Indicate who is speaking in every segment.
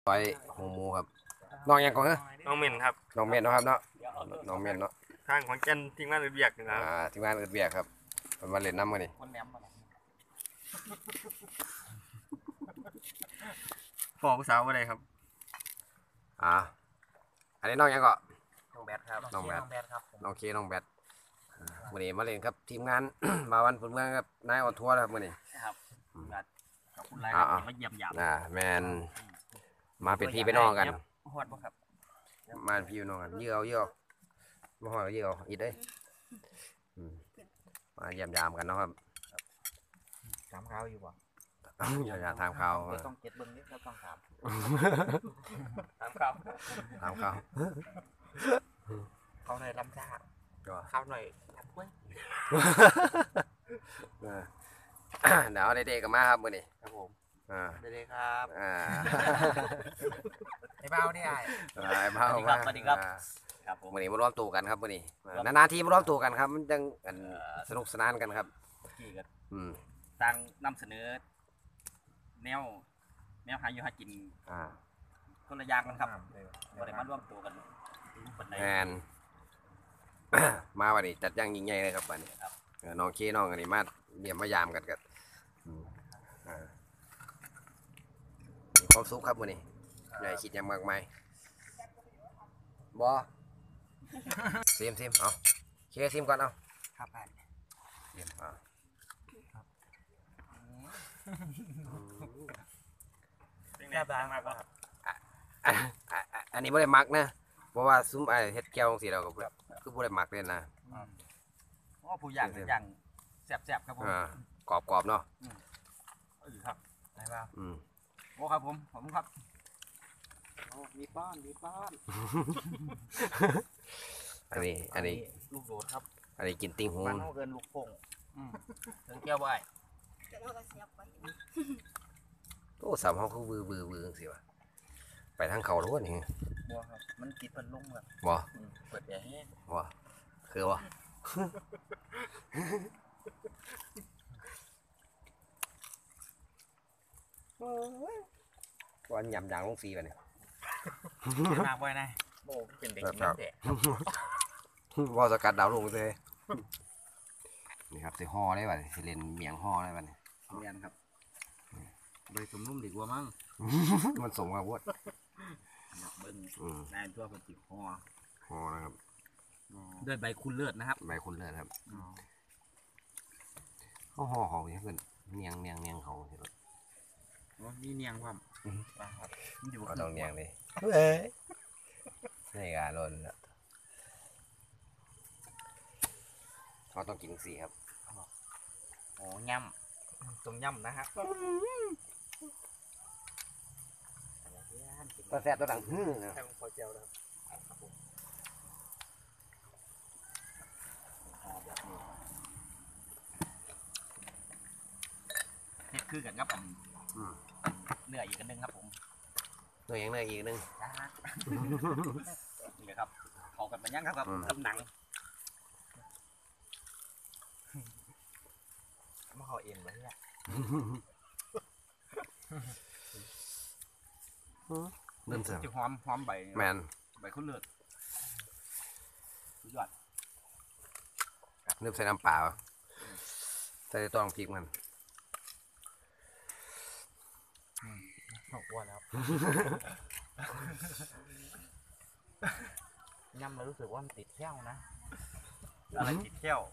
Speaker 1: ไปหูหมูครับน้องยังก่อนเหรอ
Speaker 2: น้องเมนครับ
Speaker 1: น้องเมนเนาะครับเนาะน้องเมนเนาะ
Speaker 2: ข้างของเจนทิ้งมาเบียกนะครับ
Speaker 1: ทีมงานเอิดเบียกครับมันมาเล่นน้ำกันนี่
Speaker 2: พ่อผู้สาวอะไรครับ
Speaker 1: อันนี้น้องยังก่อน
Speaker 3: น้องแบทครับ
Speaker 1: น้องแบท
Speaker 3: ครับ
Speaker 1: น้องเคน้องแบทวันนี้มาเล่นครับทีมงาน มาวันพุ่นเมืองครับนายออนทัวร์ครับวันนี้
Speaker 3: ครับขอบคุณหลายครับมาเยี่ยมยาม
Speaker 1: แมนมาเป็นพี่เป็นน้องกัน
Speaker 3: ฮอดบ่ครับ
Speaker 1: มาพี่เป็นน้องกันเยอะมาหอยเยอะอีกเลยมาเยี่ยมยามกันเนาะครับ
Speaker 3: ถามข่าวอยู่บ่
Speaker 1: อย่าถามข่าว
Speaker 3: ต้องเก็บเบิ้งนี่ต้องถาม
Speaker 1: ถามข่าว
Speaker 3: เขาหน่อยลำซ่าข้าวหน่อยรับไว้
Speaker 1: เดี๋ยวเด็กๆกันมาครับมื้อนี้
Speaker 3: ครับผมเด็กๆครับไอ้
Speaker 1: เบ้านี่ไอ้เบ้า
Speaker 3: สวัสดีครับครับผม
Speaker 1: มื้อนี้มาร่วมตัวกันครับมื้อนี้นานๆทีมาร่วมตัวกันครับมันจังสนุกสนานกันครับ
Speaker 3: กี่กันต่างนำเสนอแนวหาอยู่หากินคนละอย่างกันครับบ่ได้มาร่วมตัวกัน
Speaker 1: แมนมาวันนี้จัดย่างยิ่งใหญ่เลยครับวันนี้น้องเคน้องอันนี้มาเยี่ยมมายามกันกันมีความสุขครับวันนี้ใหญ่คิดยังมากมายบอซิมเอาเคซิมก่อนเอา
Speaker 3: ครับ
Speaker 1: ซิม
Speaker 3: แซ่บมากครับ
Speaker 1: อันนี้ไม่ได้มักนะเพราะว่าซุ้มเฮ็ดแก้วสีเราก็คือไม่ได้มักเลยนะ
Speaker 3: ผู้อย่างแซ่บครับผม
Speaker 1: กรอบเนาะ
Speaker 3: ครับไหนบ้างโอ้ครับผมครับมีป้อน
Speaker 1: อันนี้
Speaker 3: ลูกโดดครับ
Speaker 1: อันนี้กินติ้งหู
Speaker 3: มันเกินลูกโป่งถึงแก้วไว้
Speaker 1: โอ้สามห้องคือบือสิวะไปทางเขาล้วนนี่
Speaker 3: บ่ครับมันติดพันลงแบบ
Speaker 1: บ่
Speaker 3: เปิดแอร์ให้
Speaker 1: บ่คือบ่วันยำยางลงสีไปเนี่ย
Speaker 3: มากไว้นะโบ้เป็นเด็กกินแต่
Speaker 1: ว่าสกัดดาวลงเลยนี่ครับสิห่อได้ป่ะสิเล่นเมียงห่อได้ป่ะเนี่ย
Speaker 3: เมียนครับใบสมนุ่มดีกว่ามั้ง
Speaker 1: มันสมกับวัด
Speaker 3: เบิ้งนายตัวเป็นจิ๋ว
Speaker 1: ห่อนะครับ
Speaker 3: ด้วยใบคุณเลือดนะครับ
Speaker 1: ใบคุณเลือดครับเขาห่ออย่างเพื่อนเนียงเขาเห็นไหม
Speaker 3: นี่เนียงความ
Speaker 1: ก็ต้องเนียงเลยนี่การล้นแล้วเขาต้องกินสีครับ
Speaker 3: โอ้ย่ำตรงย่ำนะครับ
Speaker 1: ตัวแซ่บตัวดังนะ
Speaker 3: แค่พอเจียวแล้วนี่คือกันครับเนื้ออีกกันนึงครับผม
Speaker 1: เนื้ออีกนึง
Speaker 3: นี่เลยครับเขากันมายังครับกับหนังมาเขาเองเลยเนี่ย
Speaker 1: เริ่มเสียง
Speaker 3: จะหอมใบ
Speaker 1: แมน
Speaker 3: ใบคุณเลือดสุดยอด
Speaker 1: เริ่มใส่น้ำเปล่าใส่ตัวพริกมัน
Speaker 3: อ้วนแล้วย่ำแล้วรู้สึกว่ามันติดแก้วนะอะไรติดแก้ว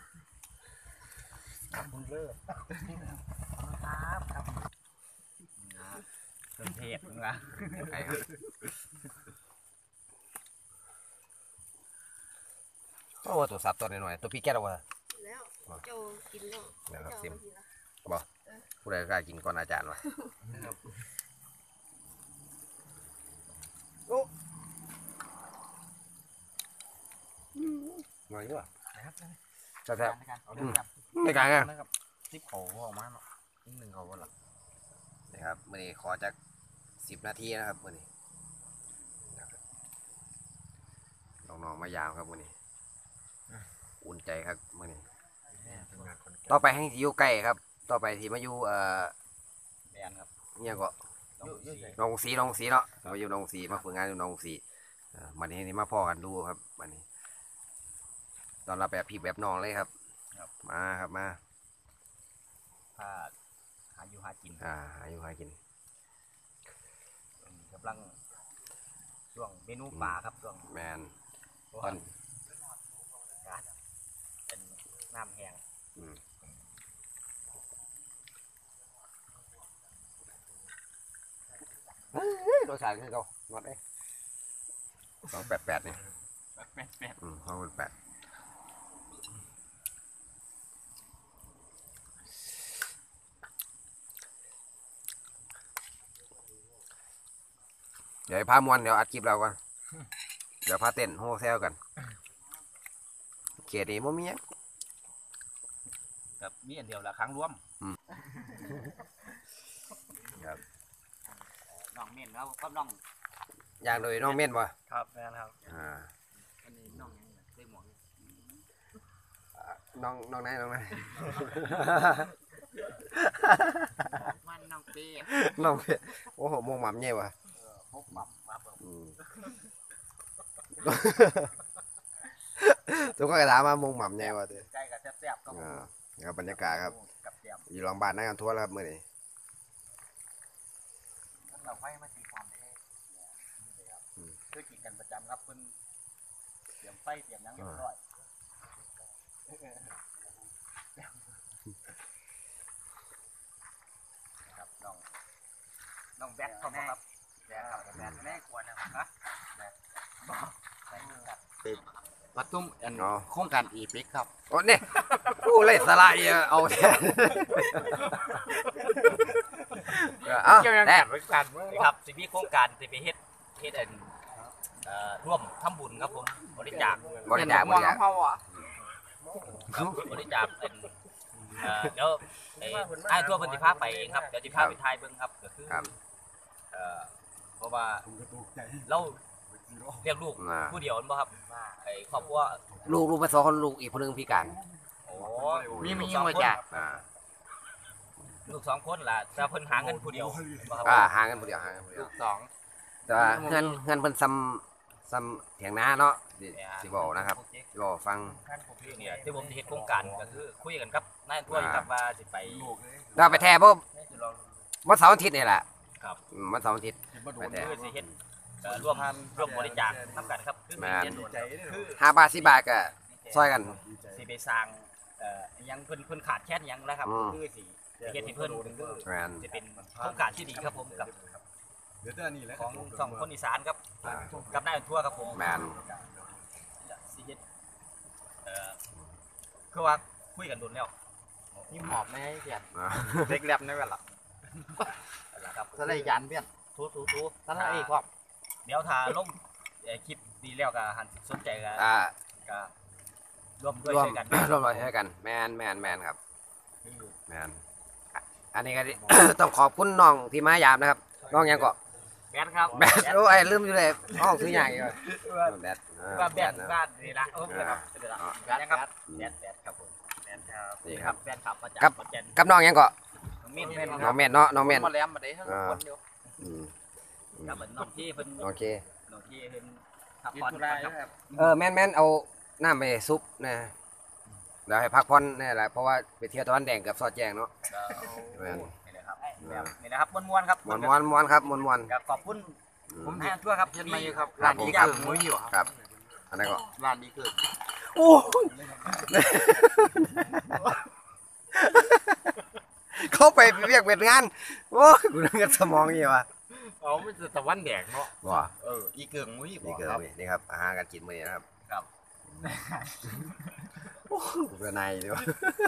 Speaker 3: คุณเลิศครับเป็นเทพมึงละ
Speaker 1: โอ้ตัวสับตัวหน่อยตัวพี่แก้ววะ
Speaker 4: แล้วโจกินแล้ว
Speaker 1: นะครับซิมบอกผู้ใดกล้ากินก่อนอาจารย์วะหน่อยด้วยจับไม่กลางอ่ะ
Speaker 3: ซิปเขาออกมาเนาะหนึ่งเขาหลัก
Speaker 1: นะครับมื่อนี้ขอจาก10 นาทีนะครับมื่อนี้น้องๆมายาวครับมื่อนี้อุ่นใจครับมื่อนี้ต่อไปให้ที่อยู่ใกล้ครับต่อไปที่มาอยู่
Speaker 3: แมนครับ
Speaker 1: เนี่ยก็
Speaker 3: ด
Speaker 1: น้องสีเนาะมาอยู่น้องสีมาฝึกงานอยู่น้องสีวันนี้นี่มาพ่อกันดูครับวันนี้ตอนเราแบบพี่แบบน้องเลยครับมาครับมา
Speaker 3: ถ้าหาอยู่หากิน
Speaker 1: หาอยู่หากิน
Speaker 3: กำลังช่วงเมนูป่าครับช่วง
Speaker 1: แมน
Speaker 3: ตอนเป็นน้ำแห้ง
Speaker 1: รสชาติคือเขางดเลย288นี่
Speaker 3: แป๊ด
Speaker 1: 288เดี๋ยวพามวนเดี๋ยวอัดคลิปเราก่อนเดี๋ยวพาเต้นโฮเซลกันเกียรติโมมี
Speaker 3: กับมีอันเดียวละครั้งรวม
Speaker 1: ครับ
Speaker 3: น้องเม่นแล้วก็น้อง
Speaker 1: อย่างโดยน้องเม่นบ่
Speaker 2: ครับแม่นครับ
Speaker 3: อันนี้น้องยังเล่หมวก
Speaker 1: น้องไหน
Speaker 3: มันน้องเป้
Speaker 1: น้องเม่นโอ้โหมงหม่ำเนี่ยวะ
Speaker 3: พบหม่ำมาเบิ่ง
Speaker 1: ทุกคนก็ถามว่ามงหม่ำเนี่ยวะเด้อ
Speaker 3: ใกล้กับแซ่บๆก็
Speaker 1: ครับบรรยากาศครับ
Speaker 3: กับเตรียม
Speaker 1: อยู่โรงพยาบาลนักการทั่วแล้วครับมื้อนี้
Speaker 3: เราไฟมาตีความได้คือกินกันประจำครับเพิ่นเตรียมไฟเตรียมหยังเรียบร้อยครับน้องแบทเข้ามาครับแบทครับแบทแม่ควรนะครับแบทปทุมอันโครงการอีพิกครับ
Speaker 1: โอ้เนี่ยผู้เล่นสไลด์เอาแทนเอาแน่
Speaker 3: ครับสิมีโครงการสิไปเฮ็ดอันร่วมทำบุญครับผมบริจาค
Speaker 1: บริจาค
Speaker 3: ครับบริจาคเป็นเดี๋ยวไอ้ทั่วเพิ่นสิพาไปเองครับเดี๋ยวสิพาไปถ่ายเบิ่งครับก็คือเพราะว่าเราเลี้ยงลูกผู้เดียวนั่นบ่ครับไอ้ครอบครัว
Speaker 1: ลูกมาสองคนลูกอีกคนนึงพิการ
Speaker 3: โอ้มีมาจากลูก2คนล่ะแต่เพิ่นหาเงินผู้เดียวบ่ครับ
Speaker 1: ห่างกันผู้เดียว
Speaker 3: ลูก2
Speaker 1: แต่ว่าเงินเพิ่นซ้ำเถียงนาเนาะสิบอกนะครับสิบอกฟัง
Speaker 3: เนี่ยที่ผมจะเฮ็ดโครงการก็คือคุยกันกับนายทั่วอยู่ครับว่าสิไป
Speaker 1: เราไปแท้เพราะวันเสาร์อาทิตย์นี่แหละ
Speaker 3: ครับ
Speaker 1: วันเสาร์อาทิตย์ไปแท้
Speaker 3: คือสิเฮ็ดร่วมบริจาคทำกันครับคือมีเงินคือ
Speaker 1: 5 บาท10 บาทก็ซอยกัน
Speaker 3: สิไปสร้างยังเพิ่นขาดแค่ยังนะครับคือสิเฮ็ดให้เพิ่นคือ
Speaker 1: แมน
Speaker 3: จะเป็นโครงการที่ดีครับผมกับของสองคนอีสานครับกับนายทั่วครับผม
Speaker 1: แมน
Speaker 3: สิเฮ็ดคือว่าคุยกันโดนแล้วนี่หมอบไม่ให้เพียนเล็กแลบในเวลาครับ
Speaker 5: สไลด์ยันเพี้ยน
Speaker 3: ทู
Speaker 5: ท่านไอ้ครับ
Speaker 3: เดี๋ยวถ้าลงคลิปดีแล้วก็หันสนใจก็ร่วมด้วย
Speaker 1: ร่วม
Speaker 3: ช่วยกัน
Speaker 1: ร่วมด้วยช่วยกันแมนครับแมนอันนี้ก็ ต้องขอบคุณน้องที่มายามนะครับน้องยังก็
Speaker 3: แบทครับ
Speaker 1: แบทโอ้ยลืมอยู่เลยห้องซื้อใหญ่เลยแบท
Speaker 3: ว่าแบทบ้านนี่ละครับแบทครับแบทครับผมแบทครับ
Speaker 1: นี่ครับ
Speaker 3: แบทครับมาจาก
Speaker 1: กับน้องยังก็
Speaker 3: มีด
Speaker 1: น้องเม่นเนาะน้องเม่น
Speaker 5: มาแลมมาได้ทั้งคนเดียว
Speaker 3: กับน้องที่เพิ่น
Speaker 1: โอเค
Speaker 3: น้องที่เพิ่นพักผ่อนครับ
Speaker 1: แม่นเอาน้ำไปซุปนะเดี๋ยวให้พักผ่อนนี่แหละเพราะว่าไปเที่ยวตะวันแดงกับซอดแจงเนาะ
Speaker 3: นี่เลยครับนี่นะครับม้วนๆครับ
Speaker 1: มวนครับมวน
Speaker 3: ขอบคุณผมให้ทั่วครับ
Speaker 5: เห็นไหมครับ
Speaker 1: ร้านดีครับ
Speaker 5: มุ้ยอยู่
Speaker 1: ครับอันนั้นก็
Speaker 5: ร้านดีเกิด
Speaker 1: โอ้เข้าไปเรียกเป็นงานโอ้กูนึกว่าสมองนี่วะ
Speaker 5: เอาไม่จะตะวันแดงเนาะ
Speaker 1: ว้า
Speaker 5: อีเกิงมุ้ย
Speaker 1: นี่เกิดนี่ครับอาหารการกินมื้อนี้นะครับ
Speaker 3: ครับ
Speaker 1: โอ้กูเป็นนายดีวะ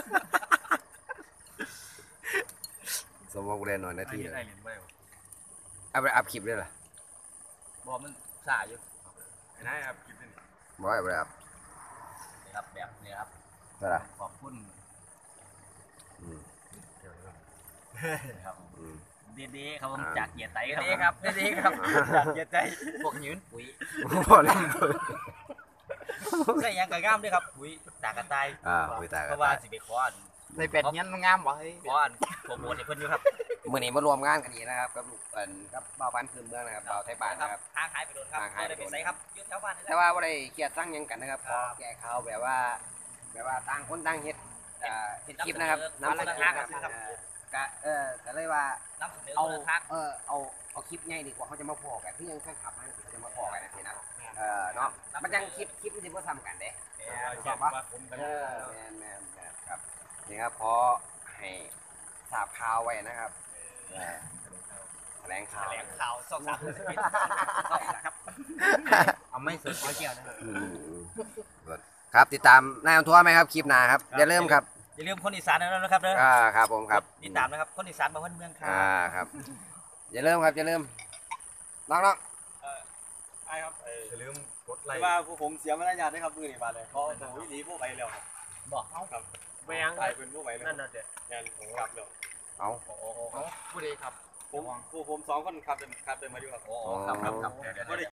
Speaker 1: สมองกูเล่นหน่อยนาทีเลยเอาไปอัพคลิปเลยล่ะ
Speaker 3: บ่มันสาอยู่
Speaker 2: นายครับกินเป็น
Speaker 1: บ่เอาไปอัพ
Speaker 3: นี่ครับแบบนี้ครับ
Speaker 1: เท่าไหร่
Speaker 3: ขอบคุณ
Speaker 1: อืม
Speaker 3: ครับ
Speaker 1: อืม
Speaker 3: ดีๆครับผมจากเกียรติไตครับดีๆครับจากเกียรติไตพวกยืนปุ๋ย
Speaker 1: บ่เล่น
Speaker 3: ใส่ยังกระง่ามด้วยครับปุ๋ยตากระต่าย
Speaker 1: คุยตา
Speaker 3: เพ
Speaker 1: กัน
Speaker 3: ราะว่าสิไปคว้าน
Speaker 5: ใส่เป็ดเงี้ยมันงามบ่เฮ้ย
Speaker 3: เพราะว่าผมโอนให้เพิ่นอยู่ครับ
Speaker 1: มื้อนี้มารวมงานกันอีกนะครับกับลูกกับบ่าวบ้านคืนเมืองนะครับบ่าวไทยบ้านนะครับ
Speaker 3: ทางหายไปโดนครับ
Speaker 1: ทางหายไป
Speaker 3: ไป
Speaker 1: โดน
Speaker 3: ไสครับอยู่แถวบ้านนี่แห
Speaker 1: แต่
Speaker 3: ละ
Speaker 1: ว่าบ่ได้เครียดสร้างหยังกันนะครับ
Speaker 3: ครับ
Speaker 1: แก้ข่าวแบบว่าต่างคนต่างเฮ็ดเฮ็ดคลิปนะครับ
Speaker 3: นำเสนอ
Speaker 1: คลิป
Speaker 3: ครับ
Speaker 1: ก็เลยว่า
Speaker 3: นำเสนอ
Speaker 1: เอา
Speaker 3: คนละทาง
Speaker 1: เอาคลิปใหญ่ดีกว่าเขาจะมาพอกันคือยังแฟนคลับมันเขาจะมาพอกันนะทีนะเนาะมันจังคลิปมันสิบ่ซ้ำกันเด้ชอบปะแม่นครับนี่ครับพอให้ทราบข่าวไว้นะครับแถลงข่าว
Speaker 3: แถลงข่าว2-3ครับ
Speaker 5: เอาไม่สุดเอาเกี่ยวนะ
Speaker 1: ครับติดตามนายอำทัวร์ไหมครับคลิปหน้าครับอย่าลืมครับ
Speaker 3: อย่าลืมคนอีสานนะครับเด้อ
Speaker 1: ครับผมครับ
Speaker 3: ติดตามนะครับคนอีสานบ้านเมืองครับ
Speaker 1: ครับ อย่าลืมครับอย่าลืมน้อง
Speaker 2: ไอ้ครับ
Speaker 5: อย่าลืมกดไล
Speaker 2: แต่
Speaker 5: ค์
Speaker 2: ว่าผู้ผมเสียมารยาทด้วยครับมือนี่บาดเลยเพราะผมวิธีผู้ไปแล้วครับ
Speaker 3: บอก
Speaker 2: ครับ
Speaker 5: ไม่ยัง
Speaker 2: ไอ้เป็นผู้ไปแล้วนั่นน่ะเด็ดงานผมกลับแล้ว
Speaker 1: เอา
Speaker 5: ผู้ใดครับ
Speaker 2: ผม2คนขับเดินมาอยู่ครับ
Speaker 3: โอ้ครับครับ
Speaker 2: บ่ได้